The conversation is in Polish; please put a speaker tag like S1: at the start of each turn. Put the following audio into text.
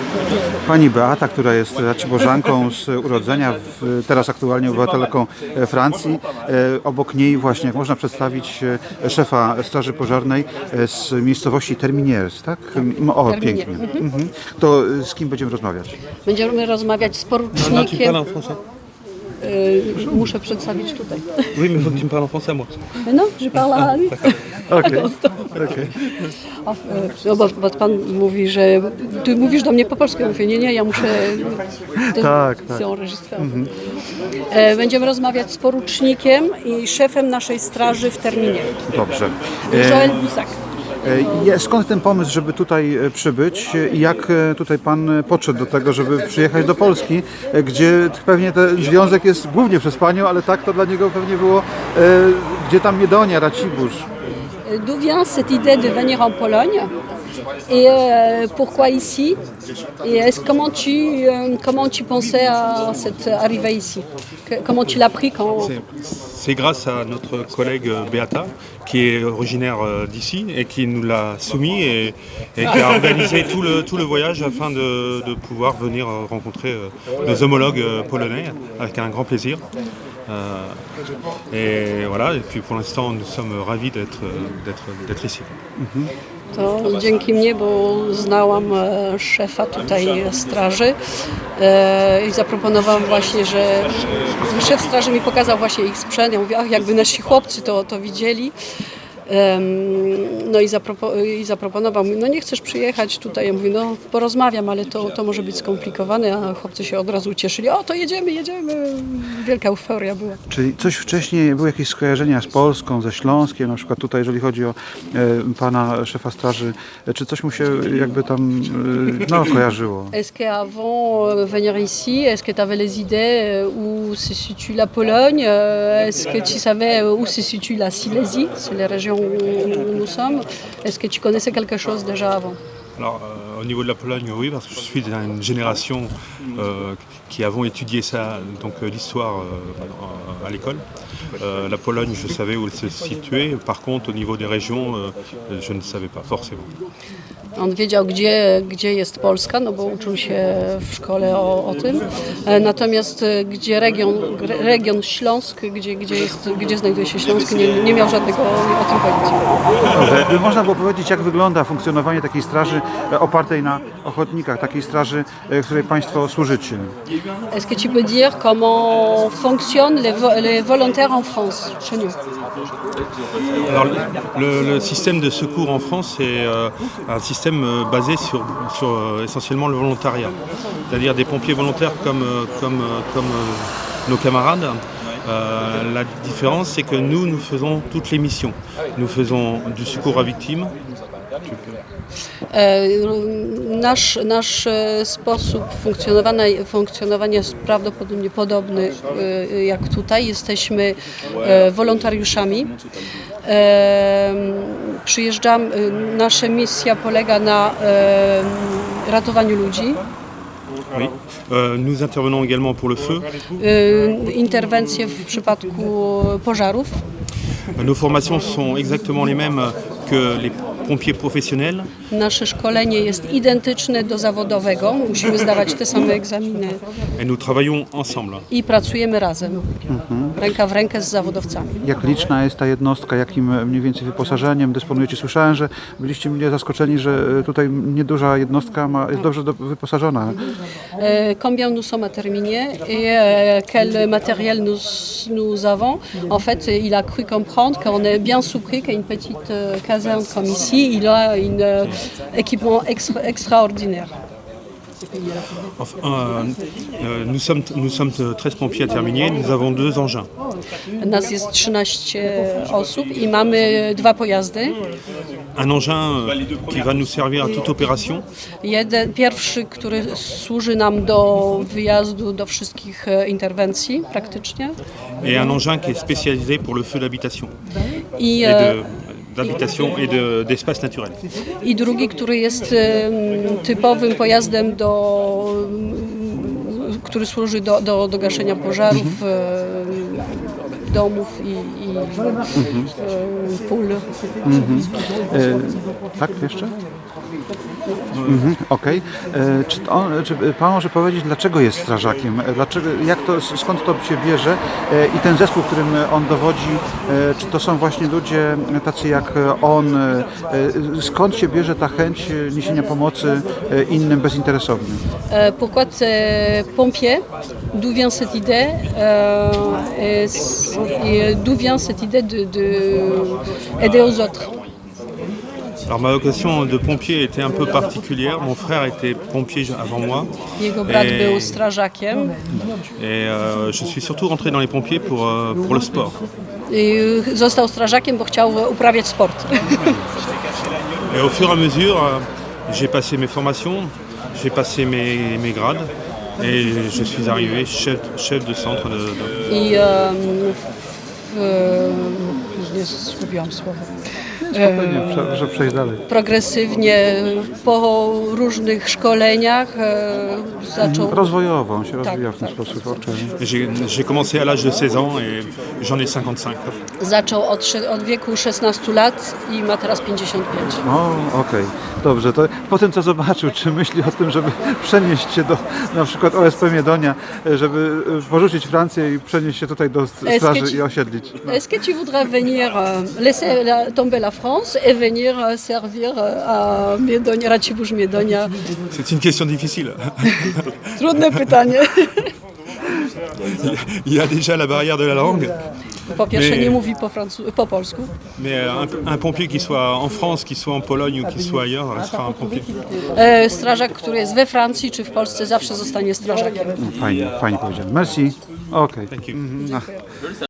S1: Pani Beata, która jest raciborżanką z urodzenia, teraz aktualnie obywatelką Francji. Obok niej właśnie, jak można przedstawić, szefa Straży Pożarnej z miejscowości Terminiers, tak? O, pięknie. To z kim będziemy rozmawiać?
S2: Będziemy rozmawiać z porucznikiem. Muszę przedstawić tutaj.
S3: Oui, mais faut que tu me parles en français, moi.
S2: No, je parle à lui.
S1: Okej.
S2: No, bo pan mówi, że ty mówisz do mnie po polsku. Ja mówię, nie, ja muszę...
S1: Tak.
S2: Będziemy rozmawiać z porucznikiem i szefem naszej straży w Terminie.
S1: Dobrze.
S2: Joël Boussac.
S1: Skąd ten pomysł, żeby tutaj przybyć i jak tutaj Pan podszedł do tego, żeby przyjechać do Polski, gdzie pewnie ten związek jest głównie przez Panią, ale tak to dla niego pewnie było, gdzie tam Miedonia, Racibórz.
S2: D'où vient cette idée de venir en Pologne et pourquoi ici? Et comment tu pensais à cette arrivée ici? Comment tu l'as pris quand...
S3: C'est grâce à notre collègue Beata, qui est originaire d'ici et qui nous l'a soumis et qui a organisé tout le voyage afin de pouvoir venir rencontrer nos homologues polonais avec un grand plaisir. Et voilà, et puis pour l'instant nous sommes ravis d'être ici.
S2: To dzięki mnie, bo znałam szefa tutaj straży i zaproponowałam właśnie, że szef straży mi pokazał właśnie ich sprzęt. Ja mówię, jakby nasi chłopcy to widzieli. No i zaproponował mi, no nie chcesz przyjechać tutaj? Ja mówię, no porozmawiam, ale to może być skomplikowane, a chłopcy się od razu ucieszyli. O, to jedziemy. Wielka euforia była.
S1: Czyli coś wcześniej, były jakieś skojarzenia z Polską, ze Śląskiem, na przykład tutaj, jeżeli chodzi o pana szefa straży, czy coś mu się jakby tam kojarzyło?
S2: Est-ce qu'avant venir ici, est-ce que tu avais les idées où se situe la Pologne? Est-ce que tu savais où se situe la Silésie? C'est les régions où nous sommes. Est-ce que tu connaissais quelque chose déjà avant?
S3: Alors, au niveau de la Pologne, oui, parce que je suis d'une génération qui avons étudié ça, donc l'histoire à l'école. La Pologne, je savais où elle se situait. Par contre, au niveau des régions, je ne savais pas forcément.
S2: On wiedział, gdzie jest Polska, no bo uczył się w szkole o tym. Natomiast gdzie region Śląsk, gdzie znajduje się Śląsk, nie miał żadnego o tym pojęcia.
S1: Dobrze. Można było powiedzieć, jak wygląda funkcjonowanie takiej straży opartej na ochotnikach, takiej straży, której Państwo służycie?
S2: Est-ce que tu peux dire comment fonctionnent les volontaires en France chez nous?
S3: Alors, le système de secours en France est un système basé sur essentiellement le volontariat, c'est-à-dire des pompiers volontaires comme nos camarades. La différence, c'est que nous faisons toutes les missions. Nous faisons du secours à victimes.
S2: Nasz sposób funkcjonowania jest prawdopodobnie podobny jak tutaj. Jesteśmy wolontariuszami. Nasza misja polega na ratowaniu ludzi.
S3: Oui. Nous intervenons également pour le feu.
S2: Interwencje w przypadku pożarów.
S3: Nos formations sont exactement les mêmes que les pompiers professionnels.
S2: Nasze szkolenie jest identyczne do zawodowego. Musimy zdawać te same egzaminy.
S3: Et nous travaillons ensemble.
S2: I pracujemy razem, ręka w rękę z zawodowcami.
S1: Jak liczna jest ta jednostka, jakim mniej więcej wyposażeniem dysponujecie? Słyszałem, że byliście mnie zaskoczeni, że tutaj nieduża jednostka jest dobrze wyposażona.
S2: Combien nous sommes à Terminier et quel matériel nous avons? En fait, il a cru comprendre qu'on est bien surpris qu'une petite caserne comme ici, il a un équipement extraordinaire.
S3: Nous sommes 13 pompiers à Terminier, nous avons 2 engins.
S2: Nas jest 13 osób i mamy 2 pojazdy.
S3: Un engin qui va nous servir à toute opération.
S2: Pierwszy, który służy nam do wyjazdu do wszystkich interwencji praktycznie.
S3: Et un engin qui est spécialisé pour le feu d'habitation. D'habitation et d'espace naturel.
S2: I drugi, który jest typowym pojazdem, który służy do gaszenia pożarów, domów i pól.
S1: Tak, jeszcze? Okej. Czy pan może powiedzieć, dlaczego jest strażakiem? Skąd to się bierze? I ten zespół, którym on dowodzi, czy to są właśnie ludzie tacy jak on? Skąd się bierze ta chęć niesienia pomocy innym bezinteresownie?
S2: Pourquoi pompier? D'où vient cette idée et d'où vient cette idée de aider aux autres?
S3: Alors ma vocation de pompier était un peu particulière. Mon frère était pompier avant moi.
S2: Jego brat był strażakiem
S3: Et je suis surtout rentré dans les pompiers pour le sport.
S2: i został strażakiem, bo chciał uprawiać sport.
S3: Et au fur et à mesure, j'ai passé mes formations, j'ai passé mes grades et je suis arrivé chef de centre de...
S2: I nie zgubiłam słowa.
S1: Że przejść dalej.
S2: Progresywnie po różnych szkoleniach zaczął.
S1: Rozwojowo, on się rozwija w ten sposób.
S3: J'ai commencé à l'âge de 16 ans et j'en ai 55.
S2: Zaczął od wieku 16 lat i ma teraz 55.
S1: Okej. Dobrze, to po tym co zobaczył, czy myśli o tym, żeby przenieść się do na przykład OSP Miedonia, żeby porzucić Francję i przenieść się tutaj do straży i osiedlić?
S2: Est-ce que tu voudrais venir laisser tomber la France et venir servir à Miedonia, Racibórz Miedonia?
S3: C'est une question difficile.
S2: Trudne pytanie.
S3: Il y a déjà la barrière de la langue,
S2: Po pierwsze nie mówi po polsku.
S3: mais un pompier qui soit en France, qui soit en Pologne ou qui soit ailleurs, sera un pompier.
S2: Strażak, który jest we Francji czy w Polsce, zawsze zostanie strażakiem.
S1: Fajnie powiedziane. Merci. Okej.
S3: Thank you.